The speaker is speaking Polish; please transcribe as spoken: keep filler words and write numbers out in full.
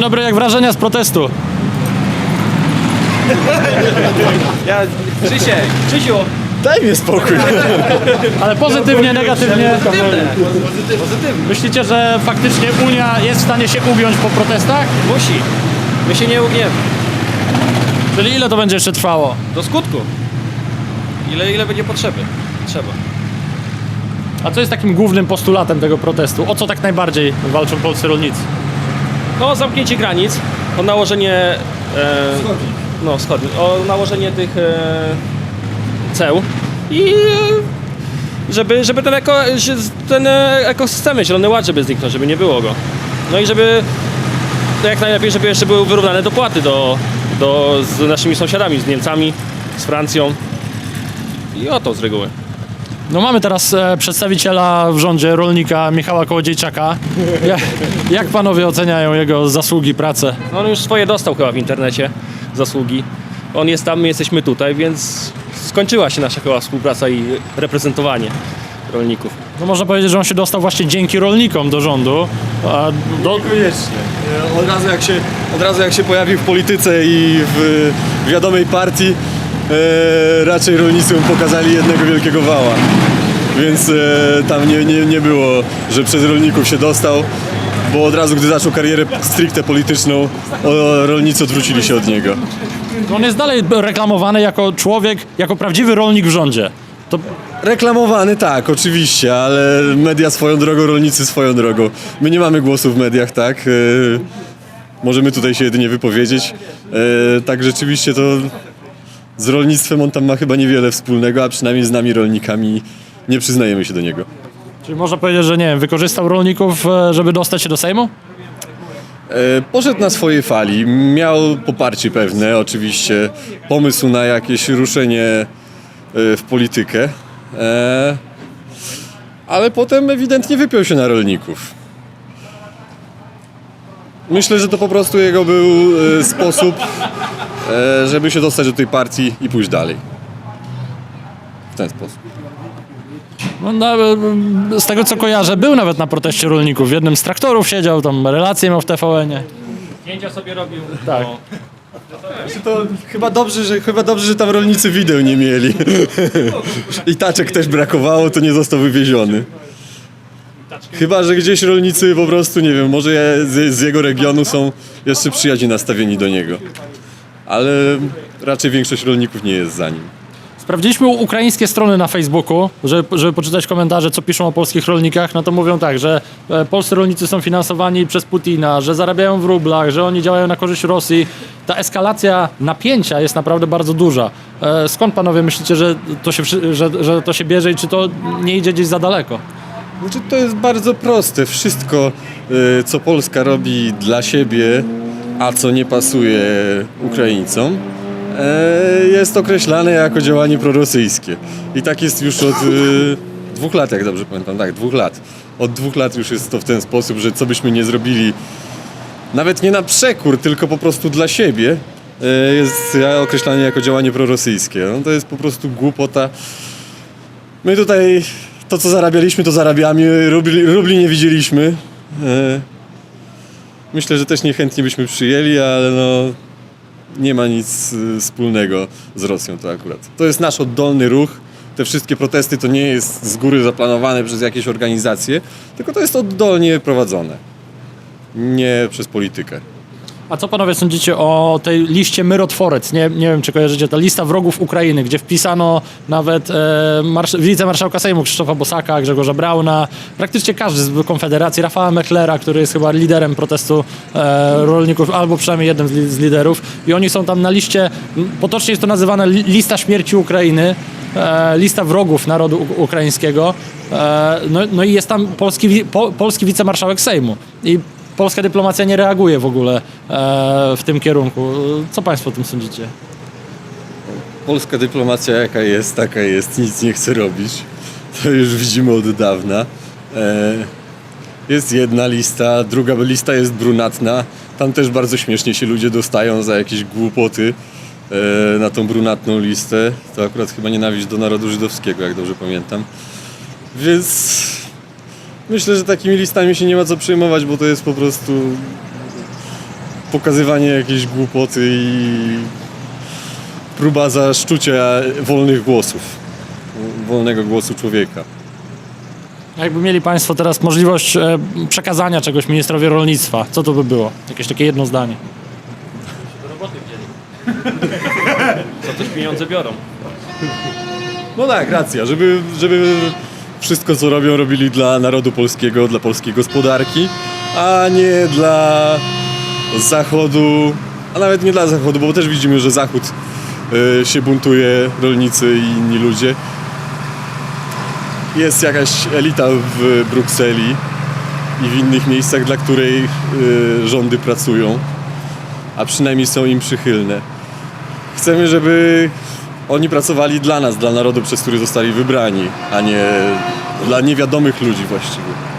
dobry, jak wrażenia z protestu? Ja, Krzysiek, Krzysiu! Daj mi spokój. Ale pozytywnie, negatywnie? Pozytywne. Pozytywne. Myślicie, że faktycznie Unia jest w stanie się ugiąć po protestach? Musi. My się nie ugniemy. Czyli ile to będzie jeszcze trwało? Do skutku. Ile, ile będzie potrzeby? Trzeba. A co jest takim głównym postulatem tego protestu? O co tak najbardziej walczą polscy rolnicy? No, zamknięcie granic, o nałożenie... E, no, wschodnich. O nałożenie tych e, ceł i e, żeby, żeby ten, eko, ten e, ekosystemy, zielony ład, żeby zniknął, żeby nie było go. No i żeby to jak najlepiej, żeby jeszcze były wyrównane dopłaty do, do, z naszymi sąsiadami, z Niemcami, z Francją i o to z reguły. No mamy teraz e, przedstawiciela w rządzie, rolnika Michała Kołodziejczaka. Jak, jak panowie oceniają jego zasługi, pracę? No on już swoje dostał chyba w internecie, zasługi. On jest tam, my jesteśmy tutaj, więc skończyła się nasza chyba współpraca i reprezentowanie rolników. No można powiedzieć, że on się dostał właśnie dzięki rolnikom do rządu. A do... Koniecznie. Od razu jak się, od razu jak się pojawił w polityce i w wiadomej partii, e, raczej rolnicy mu pokazali jednego wielkiego wała. Więc e, tam nie, nie, nie było, że przez rolników się dostał, bo od razu, gdy zaczął karierę stricte polityczną, o, rolnicy odwrócili się od niego. On jest dalej reklamowany jako człowiek, jako prawdziwy rolnik w rządzie. To Reklamowany tak, oczywiście, ale media swoją drogą, rolnicy swoją drogą. My nie mamy głosu w mediach, tak? E, możemy tutaj się jedynie wypowiedzieć. E, tak rzeczywiście to z rolnictwem on tam ma chyba niewiele wspólnego, a przynajmniej z nami rolnikami nie przyznajemy się do niego. czyli można powiedzieć, że nie wiem, wykorzystał rolników, e, żeby dostać się do Sejmu? E, poszedł na swojej fali, miał poparcie pewne, oczywiście, pomysł na jakieś ruszenie e, w politykę, e, ale potem ewidentnie wypiął się na rolników. Myślę, że to po prostu jego był e, sposób, e, żeby się dostać do tej partii i pójść dalej. W ten sposób. No, no, e, z tego co kojarzę, był nawet na proteście rolników. W jednym z traktorów siedział, tam relacje miał w T V N-ie. Zdjęcia sobie robił. Tak. No. To chyba dobrze, że, chyba dobrze, że tam rolnicy wideł nie mieli. I taczek też brakowało, to nie został wywieziony. Chyba, że gdzieś rolnicy po prostu, nie wiem, może z, z jego regionu są jeszcze przyjaźnie nastawieni do niego. Ale raczej większość rolników nie jest za nim. Sprawdziliśmy ukraińskie strony na Facebooku, żeby, żeby poczytać komentarze, co piszą o polskich rolnikach. No to mówią tak, że e, polscy rolnicy są finansowani przez Putina, że zarabiają w rublach, że oni działają na korzyść Rosji. Ta eskalacja napięcia jest naprawdę bardzo duża. E, skąd panowie myślicie, że to, się, wszy- że, że to się bierze i czy to nie idzie gdzieś za daleko? Znaczy, to jest bardzo proste. Wszystko, y, co Polska robi dla siebie, a co nie pasuje Ukraińcom, e, jest określane jako działanie prorosyjskie. I tak jest już od y, dwóch lat, jak dobrze pamiętam. Tak, dwóch lat. Od dwóch lat już jest to w ten sposób, że co byśmy nie zrobili, nawet nie na przekór, tylko po prostu dla siebie, e, jest określane jako działanie prorosyjskie. No, to jest po prostu głupota. My tutaj to, co zarabialiśmy, to zarabiamy, rubli, rubli nie widzieliśmy. E, myślę, że też niechętnie byśmy przyjęli, ale no, nie ma nic y, wspólnego z Rosją to akurat. To jest nasz oddolny ruch. Te wszystkie protesty to nie jest z góry zaplanowane przez jakieś organizacje, tylko to jest oddolnie prowadzone. Nie przez politykę. A co panowie sądzicie o tej liście Myrotworec? Nie, nie wiem, czy kojarzycie, ta lista wrogów Ukrainy, gdzie wpisano nawet e, marsz- wicemarszałka Sejmu Krzysztofa Bosaka, Grzegorza Brauna, praktycznie każdy z Konfederacji, Rafała Mechlera, który jest chyba liderem protestu e, rolników, albo przynajmniej jednym z, li- z liderów. I oni są tam na liście, m, potocznie jest to nazywana li- lista śmierci Ukrainy, e, lista wrogów narodu u- ukraińskiego. E, no, no i jest tam polski, wi- po, polski wicemarszałek Sejmu. I polska dyplomacja nie reaguje w ogóle e, w tym kierunku. Co państwo o tym sądzicie? Polska dyplomacja jaka jest, taka jest, nic nie chce robić. To już widzimy od dawna. E, jest jedna lista, druga lista jest brunatna. Tam też bardzo śmiesznie się ludzie dostają za jakieś głupoty e, na tą brunatną listę. To akurat chyba nienawiść do narodu żydowskiego, jak dobrze pamiętam. Więc myślę, że takimi listami się nie ma co przejmować, bo to jest po prostu pokazywanie jakiejś głupoty i próba zaszczucia wolnych głosów, wolnego głosu człowieka. Jakby mieli Państwo teraz możliwość e, przekazania czegoś ministrowi rolnictwa, co to by było? Jakieś takie jedno zdanie. Do roboty wzięli. Za coś pieniądze biorą. No tak, racja, żeby, żeby wszystko co robią, robili dla narodu polskiego, dla polskiej gospodarki, a nie dla Zachodu, a nawet nie dla Zachodu, bo też widzimy, że Zachód y, się buntuje, rolnicy i inni ludzie. Jest jakaś elita w Brukseli i w innych miejscach, dla której y, rządy pracują, a przynajmniej są im przychylne. Chcemy, żeby oni pracowali dla nas, dla narodu, przez który zostali wybrani, a nie dla niewiadomych ludzi właściwie.